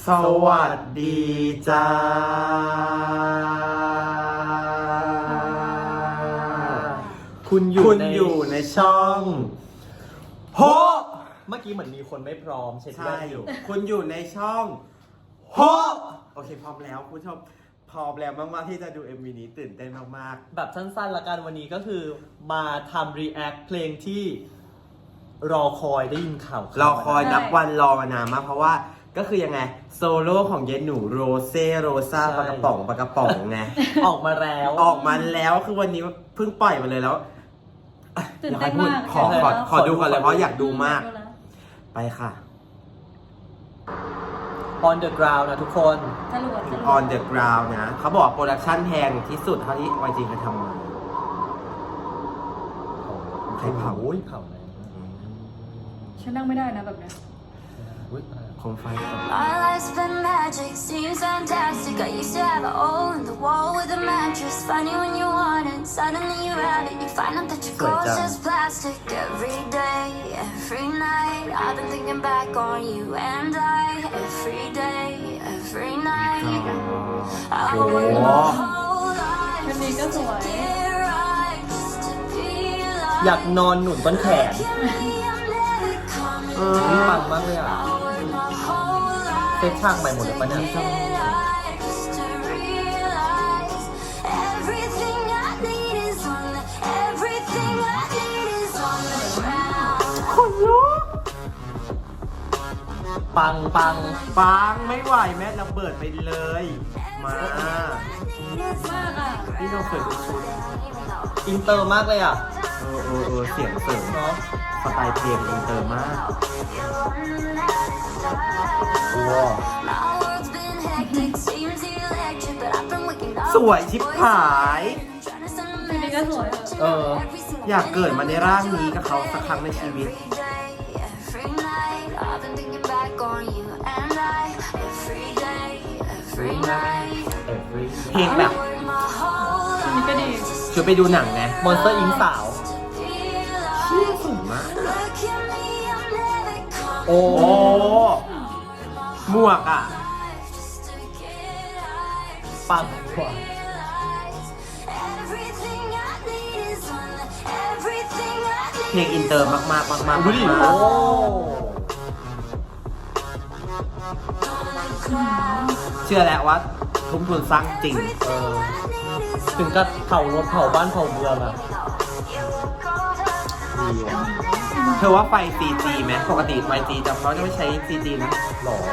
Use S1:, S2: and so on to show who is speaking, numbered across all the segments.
S1: สวัสดีจ้าคุณอยู่ในช่องโฮ
S2: เมื่อกี้เหมือนมีคนไม่พร้อมเช็ดแว่
S1: ใช่
S2: นอยู่
S1: คุณอยู่ในช่องโฮโอเคพร้อมแล้วคุณผู้ชมพร้อมแล้วมากๆที่จะดู MV นี้ตื่นเต้นมาก
S2: แบบสั้นๆละกันวันนี้ก็คือมาทำ react เพลงที่รอคอยได้ยินข่าว
S1: ๆรอคอยนับวันรอมานานมากเพราะว่าก็คือยังไงโซโล่ของเยนหนูโรเซ่โรซาปากระป๋องไง
S2: ออกมาแล้ว
S1: ออกมาแล้วคือวันนี้เพิ่งปล่อยมาเลยแล้ว
S3: ตื่นเต้นมาก
S1: ขอดูก่อนเลยเพราะอยากดูมาก ไปค่ะ
S2: on the ground นะทุกคน
S3: จรวด
S1: on the ground นะเขาบอกว่าโปรดักชั่นแพงที่สุดเท่าที่ YG เคยทำมา ใครเผา
S2: โอ้ยเผาเลย
S3: ฉันนั่งไม่ได้นะแบบนี้
S2: อุ๊ยอะไร
S1: คงไฟต่อ
S4: My life's been magic, seems fantastic. I used to have a hole in the wall with a mattress. Find it when you want it, suddenly you have it. You find out that your clothes just plastic. Every day, every night, I've been thinking back on you and I. Every day, every night, I work my whole
S3: ชุด
S4: life
S3: นี้ก็สวย
S4: to get right, just to be
S2: อยาก
S4: like
S2: นอนหนุนต้นแขน
S4: me. I'm never coming
S2: นี่
S4: out.
S2: ปังมากเลยอ่ะ
S4: I work my whole life
S2: เซตฉากใหม่หมดเลยปะเนี่ย
S4: just to realize everything I need is on the everything I need is on the ground.
S1: คนลุก
S2: ปัง
S1: ปังไม่ไหวแม่ระเบิดไปเลย มา
S3: มากอ่ะ
S1: พี่น้องเคยดูชุด
S2: อินเตอร์มากเลยอ่ะ
S1: เสียงเสริม
S2: เนาะ
S1: สไตล์เพลงอินเตอร์มาก
S2: ว้าว
S4: My world's been hectic, seems electric, but I've been waking up.
S1: สวยชิบหาย
S4: Trying to send a
S3: ชุดนี้ก็สวย
S4: message
S2: เออ
S4: every single
S1: อยากเกิดมาในร่างนี้กับเขาสักครั้งในชีวิต
S4: every day, every night. I've been thinking back on you and I. Every day, every night.
S1: เพลงแบบ
S4: I work my whole
S3: ชุดนี้ก็ดี
S1: ชวนไปดูหนังไง
S2: มอนสเตอร์อิงสาว
S1: เชี่ยสูงมาก
S4: Look at me, I'm never coming
S2: โอ้
S1: โอ้หมวกอ่ะ
S4: just to get out.
S2: ปังกว่า
S4: Everything I need is on the everything I
S1: เพลงอินเตอร์มากๆ
S2: ดูดิ
S1: มาก
S2: โอ้
S1: เชื่อแล้วว่าทุ่มทุนสร้างจริง
S2: เออถึงกับเผารถเผาบ้านเผาเมืองอ่ะดีว่ะ
S1: เธอว่าไฟ CG ไหมปกติไฟ CG จะเขาจะไม่ใช้ CG นะ
S2: หล่อ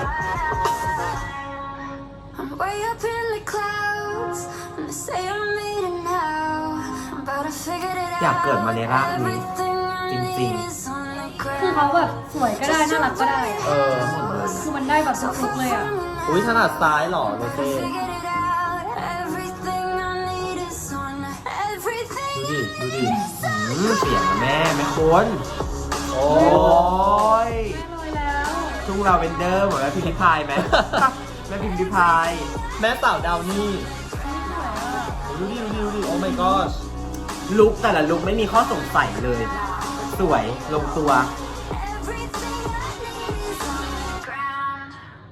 S4: I'm way up in the clouds and they say I made it now but I figured it out
S1: อยากเกิดมาในร่างนี้
S4: Everything I
S1: จริง
S4: need is on the
S3: คือ
S4: ground
S3: เขาแบบสวยก็ได้น่ารักก็ได้
S2: เออ
S3: คือมันได้แบบทุกลุกเลยอ่ะ
S2: อุ้ยถนัดซ้ายเหรอโรเซ่
S4: Figured it out Everything I need is on the everything
S1: ดูดิเสียงอะแม่คน
S2: โอ้
S1: โอ้ย
S3: แน่เลยแล้ว
S1: ทุ่งลาเวนเดอร์เหมือนแม่พิมพิพายไหม แม่พิมพิพาย
S2: แม่สาวดาวนี่ดูดิโอ้ my god
S1: ลุกแต่ละลุกไม่มีข้อสงสัยเลย สวยลงตัว
S4: Everything I need is on the ground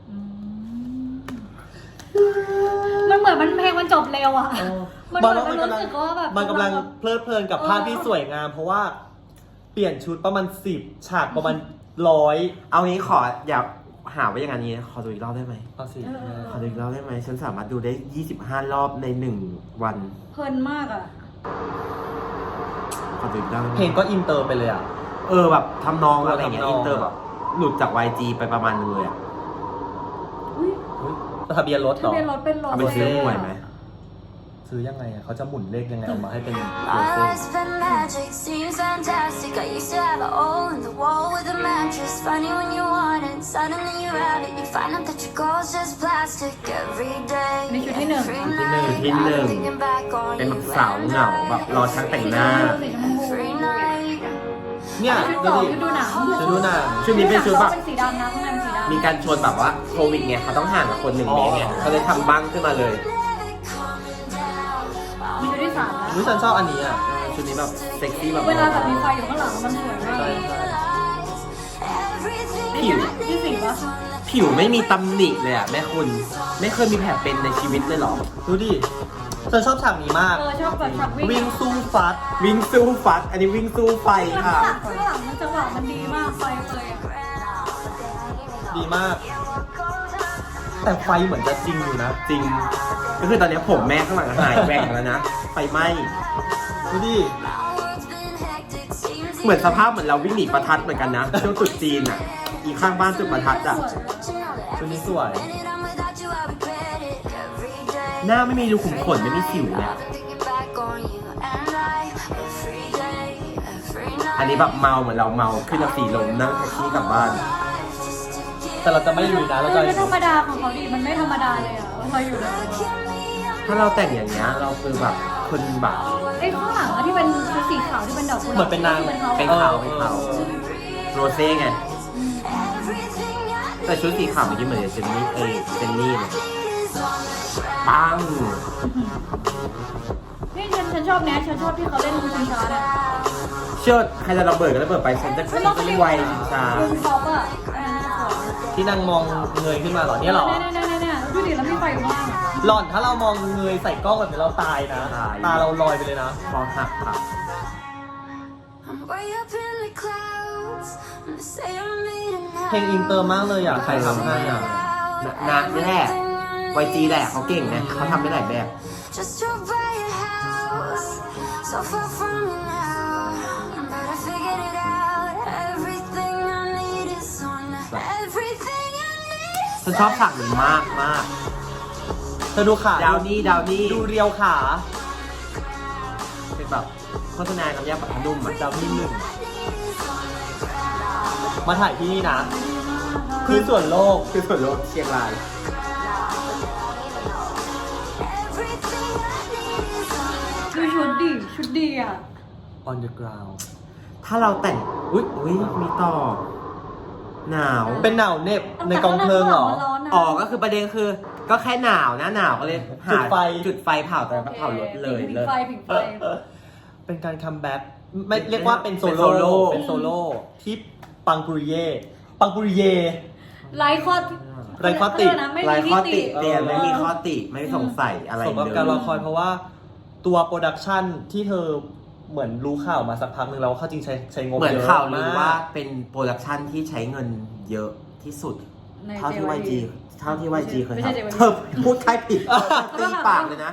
S3: มันเหมือนมันเพลงมันจบเร็วอ่ะ มันเหมือนมันรู้สึกว่าแบบ
S2: มันกำลังเพลิดเพลินกับภาพที่สวยงาม เพราะว่าเปลี่ยนชุดประมาณ10ฉากประมาณ100
S1: เอางี้ขออย่าหาว่าอย่างนี้ขอดูอีกรอบได้ไหม
S2: เอาสิ
S1: ขอดูอีกรอบได้ไหมฉันสามารถดูได้ 25 รอบใน 1 วัน
S3: เพลินมากอ่ะ
S1: ขอดูอีกรอบได้ไหม
S2: เพลงก็อินเตอร์ไปเลยอ่ะ
S1: แบบทำนองอะไรอย่างเงี้ย
S2: ทำนอง
S1: อินเตอร์แบบหลุดจาก YG ไปประมาณนึงเลยอ่ะ
S3: อุ้ย
S2: อุ๊ยทะเบียนรถเหร
S3: ทะ
S2: อ
S3: เบียนรถเป็นรถ
S1: เอาไปซื้อหวยไหม
S2: ซื้อยังไงอ่ะเขาจะหมุนเลขยังไงออกมาให้เป็นโร
S4: My
S2: เซ่
S4: life's been magic, seems fantastic. I used to have a hole in the wall with a mattress. Find it when you want it, suddenly you have it. You find out that your clothes just plastic. Every day,
S3: นี่ชุดที่หนึ่ง
S4: every
S1: ชุด
S4: night,
S1: ที่หนึ่ง
S4: I've been thinking back on
S1: เป็น
S4: you
S1: แบบสาวเหงาแบบรอช่างแต่งหน้า
S3: สีชมพู
S4: every night.
S2: เนี่ย
S3: ชุด
S2: ดู
S3: ต่อ
S2: ดิ
S3: ชุดดูหนัง
S2: ชุดดูหนัง
S1: ชุดนี้เป็นชุดแบบ
S3: เป็นสีดำนะข้างในเป็นสีดำ
S1: มีการชวนแบบว่าโควิดไงเขาต้องห่างกับคน1 เมตรไงเขาเลยทำบั้งขึ้นมาเลย
S3: มีชุดที่สามนะ
S2: อุ๊ยฉันชอบอันนี้อ่ะ
S1: ชุดนี้แบบเซ็กซี่แบบ
S3: เวลาแบบมีไฟอยู่ข้างหลังมันสวยมาก
S2: ใช่
S1: ผิว
S3: ที่สี่ปะ
S1: ผิวไม่มีตำหนิเลยอ่ะแม่คุณไม่เคยมีแผลเป็นในชีวิตเลยเหรอ
S2: ดูดิฉันชอบฉากนี้มาก
S3: ชอบแบบฉากวิ่
S2: วิ่
S3: ง
S2: งสู้ฟัด
S1: วิ่งสู้ฟัด อันนี้วิ่งสู้ไฟ
S3: ข้าง
S1: ค่ะ
S3: หลังข้างหลังมันจังหวะมันดีมากไฟเลยอ่ะ
S2: ดีมาก แต่ไฟเหมือนจะจริงอยู่นะ
S1: จริง ก็คือตอนนี้ผมแม่ข้างหลังหายแหว่งแล้วนะไฟไหม้
S2: ดูดิ
S1: เหมือนสภาพเหมือนเราวิ่งหนีประทัดเหมือนกันนะช่วงตรุษจีนอ่ะ อีกข้างบ้านจุดประทัดอ่ะ
S2: ชุดนี้สวย
S1: หน้าไม่มีรูขุมขนไม่มีสิวเลยอะอันนี้แบบเมาเหมือนเราเมาขึ้นรถสีลมนั่งแท็กซี่กลับบ้าน
S2: แต่เราจะไม่อยู่นะ เราจะ
S3: ไม่ธรรมดาของเขาดิมันไม่ธรรมดาเลยอ่ะพออยู่เลย
S1: ถ้าเราแต่งอย่างเงี้ยเราคือแบบคนแบบ
S3: ไอ้ข้างหลังอะที่เป็นชุดสีขาวที่เป็นดอกกุหลาบ
S2: เหมือนเป็นนาง
S3: ที่เขา
S1: เป็นขาวเป็นขาวโรเซ่ไงแต่ชุดสีขาวเมื่อกี้เหมือนเจนนี่เจนนี่เลยปัง
S3: นี่ฉันชอบเนี้ยฉันชอบที่เขาเล่นชิงช้าเนี่ย
S1: เชื่อใครจะระเบิดก็ระเบิดไปฉันจะไวชิงช้า
S3: ลุงซอฟอ่ะอันนั้นสวย
S2: ที่นางมองเงยขึ้นมาเหรอเนี่ยเหรอ
S3: เนี่ยดูดิแล้วมีไฟมาก
S2: หล่อนถ้าเรามองเงยใส่กล้องแบบนี้เราตายนะ ตาเราลอยไปเลยนะ
S1: คอหักค่ะ
S2: เพลงอินเตอร์มากเลยอ่ะ ใครทำให้อ่ะ
S1: นะนี่แหละ YG แหละเขาเก่งไงเขาทำได้หลายแบบ
S4: Just drove by your house, so far from you now. But I figured it out. Everything I need is on. Everything I need
S1: ฉันชอบฉากนี้มากมาก
S2: เธอดูขา
S1: ดาวนี่
S2: ดูเรียวขา
S1: เป็นแบบโฆษณาน้ำยาปรับผ้านุ่มอ่ะ
S2: ดาวนี่หนึ่ง มาถ่ายที่นี่นะคือส่วนโลก
S1: คือส่วนลดเชียงราย
S3: ดูชุดดีอ่ะ
S2: on the ground
S1: ถ้าเราแต่งอุ้ยมีต่อ หนาว
S2: เป็นหนาวเหน็บในกองเพลิงเหรอ
S1: อ๋อก็คือประเด็นคือ ก็แค่หนาวนะหนาวก็เลยหา
S2: จุดไฟ
S1: จุดไฟเผาแต่เผารถเลย
S3: ผิง
S1: เลย
S3: ไฟผิงไฟ
S2: เป็นการคัมแบ็กไม่เรียกว่าเป็นโซ
S1: เป็นโซโล่
S2: โล่เป็นโซโล่ที่ปังปุริเย่ปังปุริเย่
S3: ไร้ข้อ
S2: ไร้ข้อติ
S3: ไม่
S1: ไร
S3: มี
S1: ข้อ
S3: ที่
S1: ติ
S3: ติ
S1: เตียนไม่มีข้อติไม่สงสัยอะไร
S2: สม
S1: เล
S2: กับ
S1: ย
S2: การรอคอยเพราะว่าตัวโปรดักชันที่เธอเหมือนรู้ข่าวมาสักพักหนึ่งแล้วว่าเขาจริงใช้งบ
S1: เหมือน
S2: เยอะ
S1: ข่าวลือ
S2: มาก
S1: ว่าเป็นโปรดักชันที่ใช้เงินเยอะที่สุด
S3: ใน
S1: เท่าที่ YG เท่าที่ YG เคย
S3: ไม่ใช่
S1: ทำ
S3: JYP
S1: เธอพูดใครผิดตีปากเลยนะ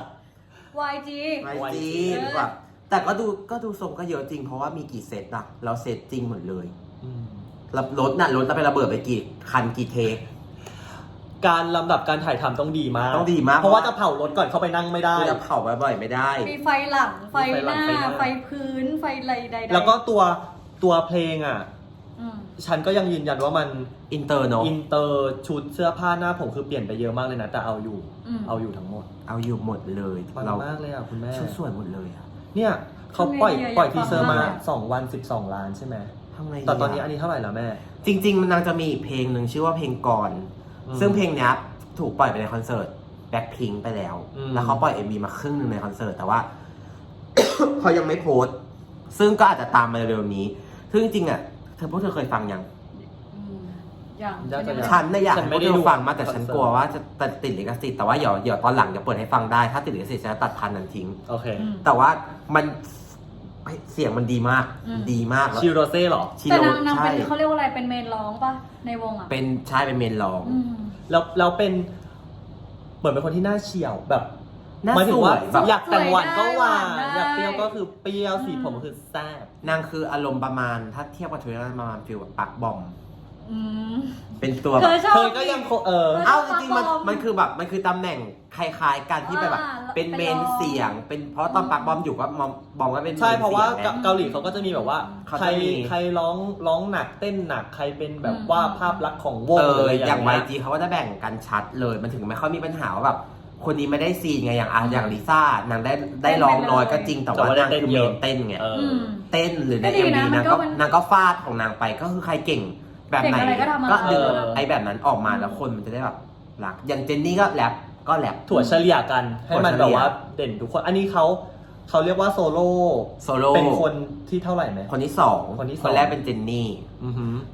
S3: YG
S1: YG แบบแต่ก็ดูทรงก็เยอะจริงเพราะว่ามีกี่เซตอะเราเซตจริงหมดเลย
S2: อืม
S1: รถเราไประเบิดไปกี่คันกี่เทค
S2: การลำดับการถ่ายทำต้องดีมาก
S1: ต้องดีมาก
S2: เพราะว่าจะเผารถก่อนเข้าไปนั่งไม่ได้
S1: คือจะเผาบ่อยๆไม่ได้
S3: มีไฟหลัง ไฟหน้า
S2: มีไฟหลัง
S3: ไฟพื้น ไฟอะไรใดๆ
S2: แล้วก็ตัวเพลงอ่ะ
S3: อืม
S2: ฉันก็ยังยืนยันว่ามัน
S1: อินเตอร์เนาะ
S2: อินเตอร์ชุดเสื้อผ้าหน้าผมคือเปลี่ยนไปเยอะมากเลยนะ แต่เอาอยู่ทั้งหมด
S1: เอาอยู่หมดเลย
S2: ปัง
S1: เรา
S2: มากเลยอ่ะคุณแม่
S1: ชุดสวยหมดเลยอะ
S2: เนี่ยเขาปล่อยทีเซอร์มา2 วัน 12 ล้านใช่ไหม
S1: ทำไงดี
S2: แต่ตอนนี้อันนี้เท่าไหร่แล้วแม่
S1: จริงๆมันนางจะมีอีกเพลงหนึ่งชื่อว่าเพลงก่อน
S2: อืม
S1: ซึ่งเพลงเนี้ยถูกปล่อยไปในคอนเสิร์ตแบ็คพิงไปแล้ว
S2: อืม
S1: แล้วเขาปล่อย MV มาครึ่งหนึ่งในคอนเสิร์ตแต่ว่า เขายังไม่โพสต์ ซึ่งก็อาจจะตามมาเร็วๆนี้ ซึ่งจริงๆอ่ะพวกเธอเคยฟังยัง
S3: อืมอย่าง
S2: น่าจะยัง
S1: ฉันน่ะอยาก
S2: ฉัน
S1: ให้พ
S2: ไม่
S1: วก
S2: ได้
S1: เธ
S2: ดู
S1: อฟังมากแต่
S2: คอนเสิร์ต
S1: ฉันกลัวว่าจะติดลิขสิทธิ์แต่ว่าเดี๋ยวตอนหลังจะเปิดให้ฟังได้ ถ้าติดลิขสิทธิ์ฉันจะตัดพันนั้นทิ้ง
S2: โอเค
S1: แต่ว่ามันเสียงมันดีมาก ดีมากแล้ว
S2: ชิโรเซ่เหรอ
S1: ชิ
S3: แต่
S1: โร่
S3: นาง
S1: ใช่
S3: เป็นเขาเรียกว่าอะไร เป็นเมนร้องป่ะ ในวงอ่ะ
S1: เป็นใช่เป็นเมนร้อง
S3: อืม
S2: แล้วเป็นเหมือนเป็นคนที่หน้าเฉียวแบบ
S1: น่า
S2: หมายถึ
S1: ส
S2: ง
S1: ว
S2: ว่าย
S1: แบบ
S2: อยากแต่งหวานก็หวาน
S3: ได้
S2: อยากเปรี้ยวก็คือเปรี้ยวสีผมก็คือแซ่บ
S1: นางคืออารมณ์ประมาณถ้าเทียบกับทวิตประมาณฟิลแบบปักบอม
S3: อืม
S1: เป็นตัว
S3: เธ
S1: แบบ
S3: อชอบ
S2: เธอก็ยัง
S1: เอ้า
S3: เออ
S1: จริงๆมัน
S3: ปักบอม
S1: มันคือแบบมันคือตำแหน่งคล้ายๆกันที่แบบ เป็นเมนเสียง เป็นเพราะตอนปักบอมอยู่ก็บอมก็เป็น
S2: ใช่เพราะว่า
S1: มนสียงไง
S2: เกาหลีเขาก็จะมีแบบว่า
S1: เขา
S2: ใคร
S1: จะมี
S2: ใครร้องหนักเต้นหนักใครเป็นแบบว่าภาพลักษณ์ของวง
S1: อย่าง
S2: เงี้
S1: YG เขาก็จะแบ่งกันชัดเลย มันถึงไม่ค่อยมีปัญหาว่าแบบคนนี้ไม่ได้ซีนไงอย่างลิซ่านางได้ร้องน้อยก็จริงแต่ว่านางคือเมนเต้นไง
S2: เออ
S3: อืม
S1: เต้นหรือใน
S3: ก็ดี
S1: MV
S3: นะมัน
S1: นางก็ฟาดของนางไปก็คือใครเก่งแบบไหน
S3: เก่งอะไรก็ทำมา
S1: ก็ดึง
S2: เออ
S1: ไอ้แบบนั้นออกมาแล้วคนมันจะได้แบบรักอย่างเจนนี่ก็แรปก็แรป
S2: ถั่วเฉลี่ยกันให้มัน
S1: ถั่วเฉลี่ย
S2: แบบว่าเด่นทุกคน อันนี้เขาเรียกว่าโซโล่
S1: โซโล่
S2: เป็นคนที่เท่าไหร่ไหม
S1: คนที่สอง
S2: คนที่สอง
S1: คนแรกเป็นเจนนี่
S2: อือหือ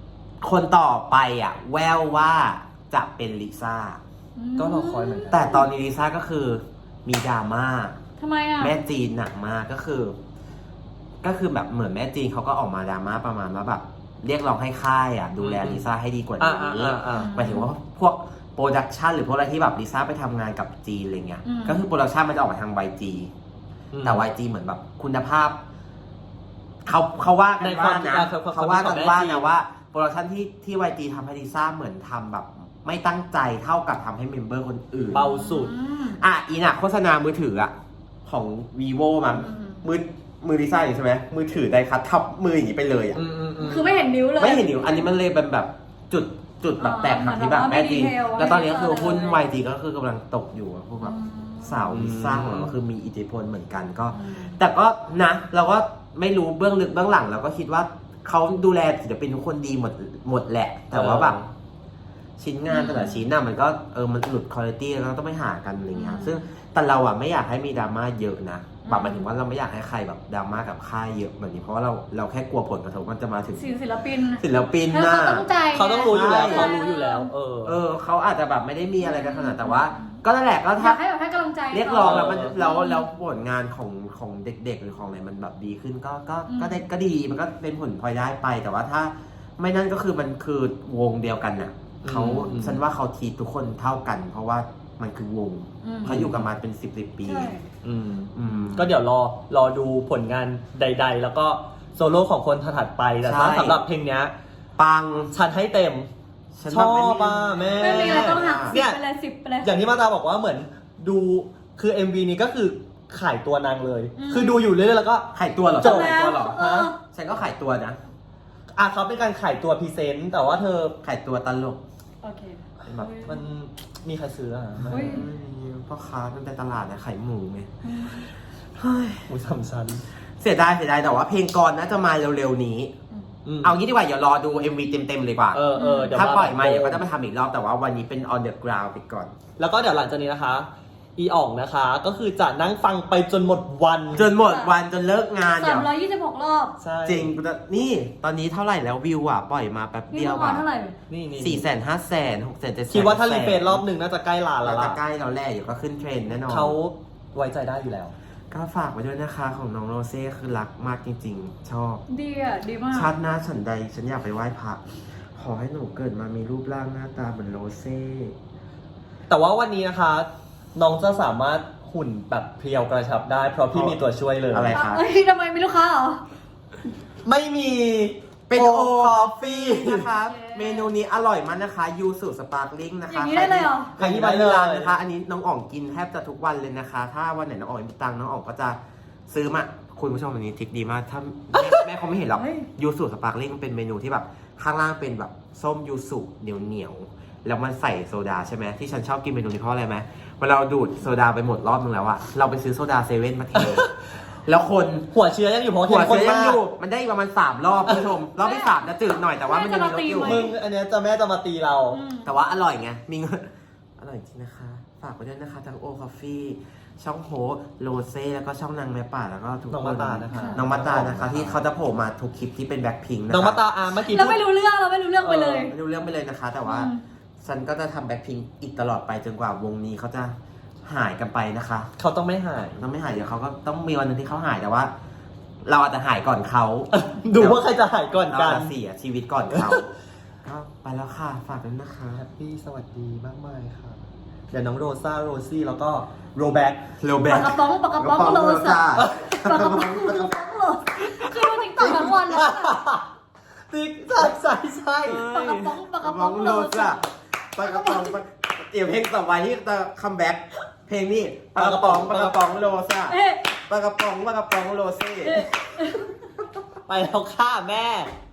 S1: คนต่อไปอ่ะ แววว่าจะเป็นลิซ่า
S2: ก็รอคอยเหมือนกั
S1: แต่ตอนนี้ลิซ่าก็คือมีดราม่า
S3: ทำไมอ่ะ
S1: แม่จีนหนักมากก็คือแบบเหมือนแม่จีนเขาก็ออกมาดราม่าประมาณว่าแบบเรียกร้องให้ค่ายอ่ะดูแลลิซ่าให้ดีกว่านี้หมายถึงว่าพวกโปรดักชันหรือพวกอะไรที่แบบลิซ่าไปทำงานกับจีนอะไรเงี้ยก็คือโปรดักชันมันจะออกมาทาง YG แต่ YG เหมือนแบบคุณภาพเขาว่ากันว่านะเขาว่ากันว่านะว่าโปรดักชันที่ YG ทำให้ลิซ่าเหมือนทำแบบไม่ตั้งใจเท่ากับทำให้เมมเบอร์คนอื่น
S2: เบาสุด
S1: อีน่ะโฆษณามือถืออะของ vivo มันมือลิซ่าอยู่ใช่ไหมมือถือไดคัททับมืออย่างนี้ไปเลยอะ
S3: คือไม่เห็นนิ้วเลย
S1: ไม่เห็นนิ้วอันนี้มันเลยเป็นแบบจุดแบบแตกหักที่แบบแม่จริงแล้วตอนนี้ก็คือหุ้น YG ก็คือกำลังตกอยู่อะพวกแบบสาวลิซ่าของเราก็คือมีอิทธิพลเหมือนกันก็ แต่ก็นะเราก็ไม่รู้เบื้องลึกเบื้องหลังเราก็คิดว่าเขาดูแลศิลปินทุกคนดีหมดแหละ แต่ว่าแบบชิ้นงานแต่ละชิ้นน่ะมันก็มันหลุดคุณภาพแล้วเราต้องไปหากันอะไรเงี้ยซึ่งแต่เราอ่ะไม่อยากให้มีดราม่าเยอะนะแบบหมายถึงว่าเราไม่อยากให้ใครแบบดราม่ากับค่ายเยอะแบบนี้เพราะว่าเราแค่กลัวผลกระทบมันจะมาถึง
S3: ศิลปิน
S1: น่ะ
S2: เขาต้องรู้อยู่แล้วเขารู้อยู่แล้ว
S1: เขาอาจจะแบบไม่ได้มีอะไรกันขนาดแต่ว่าก็นั่นแหละก็
S3: อ
S1: ถ้าย
S3: ากให้แบบให้กำลังใจ
S1: เรียกร้องแล้วมันแล้วผลงานของเด็กๆหรือของอะไรมันแบบดีขึ้นก็ดีมันก็เป็นผลพลอยได้ไปแต่ว่าถ้าไม่นั่นก็คือมันคือวงเดียวกันน่ะเขาฉันว่าเขาทีทุกคนเท่ากัน เพราะว่ามันคือวงเขาอยู่กันมาเป็น10 ปี
S2: ก็เดี๋ยวรอดูผลงานใดๆแล้วก็โซโล่ของคนถัดไปแต่ถ้าสำหรับเพลงเนี้ย
S1: ปัง
S2: ฉันให้เต็มชอบป่ะแม่
S3: ไม่มีอะไรต้องหัก10 ไปเลย10 ไปเลย
S2: อย่างที่มาตาบอกว่าเหมือนดูคือ MV นี้ก็คือขายตัวนางเลยคือดูอยู่เรื่อยๆแล้วก็
S1: ขายตัวเหรอ
S2: จบ
S1: ขายตัวเหรอฉันก็ขายตัวนะ
S2: เขาเป็นการขายตัวพรีเซนต์แต่ว่าเธอ
S1: ขายตัวตลก
S3: โอเค
S2: แบบมันมีใครซื้อ
S1: ไม่มีพ่อค้ามันเป็นตลาดนะขายหมูไง
S2: หมูสามชั้น
S1: เสียดายแต่ว่าเพลงก่อนน่าจะมาเร็วๆนี้เอางี้ดีกว่าอย่ารอดู MV เต็มๆเลยกว่าถ้าปล่อยมาเดี๋ยวก็จะมาทำอีกรอบแต่ว่าวันนี้เป็น on the ground ไปก่อน
S2: แล้วก็เดี๋ยวหลังจากนี้นะคะอีอ่องนะคะก็คือจะนั่งฟังไปจนหมดวัน
S1: จนเลิกงาน
S3: 326 รอบ
S1: จริงนี่ตอนนี้เท่าไหร่แล้ววิวอ่ะปล่อยมาแป๊บเดียว
S3: อ่ะเท่าไหร่
S1: นี่400,000 500,000 600,000 700,000
S2: คิดว่าถ้ารีเฟรชรอบหนึ่งน่าจะใกล้ล้านแล้วล่ะ
S1: ใกล้เราแรกอยู่ก็ขึ้นเทรนด์แน่นอน
S2: เขาไว้ใจได้อยู่แล้ว
S1: ก็ฝากไว้ด้วยนะคะของน้องโรเซ่คือรักมากจริงๆชอบ
S3: ดีมาก
S1: ชาติหน้าฉันใดฉันอยากไปไหว้พระขอให้หนูเกิดมามีรูปร่างหน้าตาเหมือนโรเซ่
S2: แต่ว่าวันนี้นะคะน้องจะสามารถหุ่นแบบเพรียวกระชับได้เพราะพี่มีตัวช่วยเลย
S1: อะไรครับ
S3: ทำไมมีลูกค้าเหรอ
S2: ไม่มี
S1: เป็นโอคอฟฟี่นะคะเมนูนี้อร่อยมากนะคะยูสุสปาร์คลิงนะคะ
S3: อย่างนี้ได้เลยเหรอ
S1: ใครที่มาที่ร้านนะคะอันนี้น้องอ่องกินแทบจะทุกวันเลยนะคะถ้าวันไหนน้องอ่องมีตังค์น้องอ่องก็จะซื้อมาคุณผู้ชมอันนี้ทริคดีมากถ้าแม่เขาไม่เห็นหรอกยูสุสปาร์คลิงเป็นเมนูที่แบบข้างล่างเป็นแบบส้มยูสุเหนียวแล้วมันใส่โซดาใช่ไหมที่ฉันชอบกินเมนูนี้เพราะอะไรไหมเวลาเราดูดโซดาไปหมดรอบนึงแล้วอะเราไปซื้อโซดาเซเว่นมาเทแล้วคน
S2: หัวเชื้อยังอยู่เพราะ
S1: หัวเชื้อยังอยู่มันได้ประมาณ3 รอบคุณผู้ชมรอบที่3จะจืดหน่อยแต่ว่ามันยังมีรสอยู่
S2: มึงอันนี้แม่จะมาตีเรา
S1: แต่ว่าอร่อยไงมีอร่อยจริงนะคะฝากไว้ด้วยนะคะทั้งโอคอฟฟี่ช่องโฮโรเซ่แล้วก็ช่องนางแม่ป่าแล้วก็ทุกคนน้องมาตานะคะที่เขาจะโผล่มาทุกคลิปที่เป็นแบ็คพิงค์นะคะ
S2: น้องมาตาเมื่อกี้
S3: เราไม่รู้เรื่องไปเลย
S1: ไม่รู้เรื่องไปเลยนะคะแต่ว่าฉันก็จะทำแบ็คพิงค์อีกตลอดไปจนกว่าวงนี้เขาจะหายกันไปนะคะ
S2: เขาต้องไม่หาย
S1: เดี๋ยวเขาก็ต้องมีวันนึงที่เขาหายแต่ว่า เราอาจจะหายก่อนเขา
S2: ดูว่าใครจะหายก่อนกัน
S1: เสียชีวิตก่อนเขาก็ไปแล้วค่ะฝากด้วยนะคะ
S2: แฮปปี้สวัสดีมากมายค่ะเดี๋ยวน้องโรซ่าโรซี่แล้วก็โรแบ็ค
S3: ปากกระป๋องโรซ่าปากกระป๋องโรคือดูติ๊กต็อกทั้งวันเลย
S2: ติ๊กใช่
S3: ปากกระป๋องโรซ่า
S1: ปากกระป๋องเดี๋ยวเพลงต่อไปที่จะคัมแบ็กเพลงนี้ปากกระป๋องโรซ่าปากกระป๋องโรเซ่
S2: ไปแล้วค่ะแม่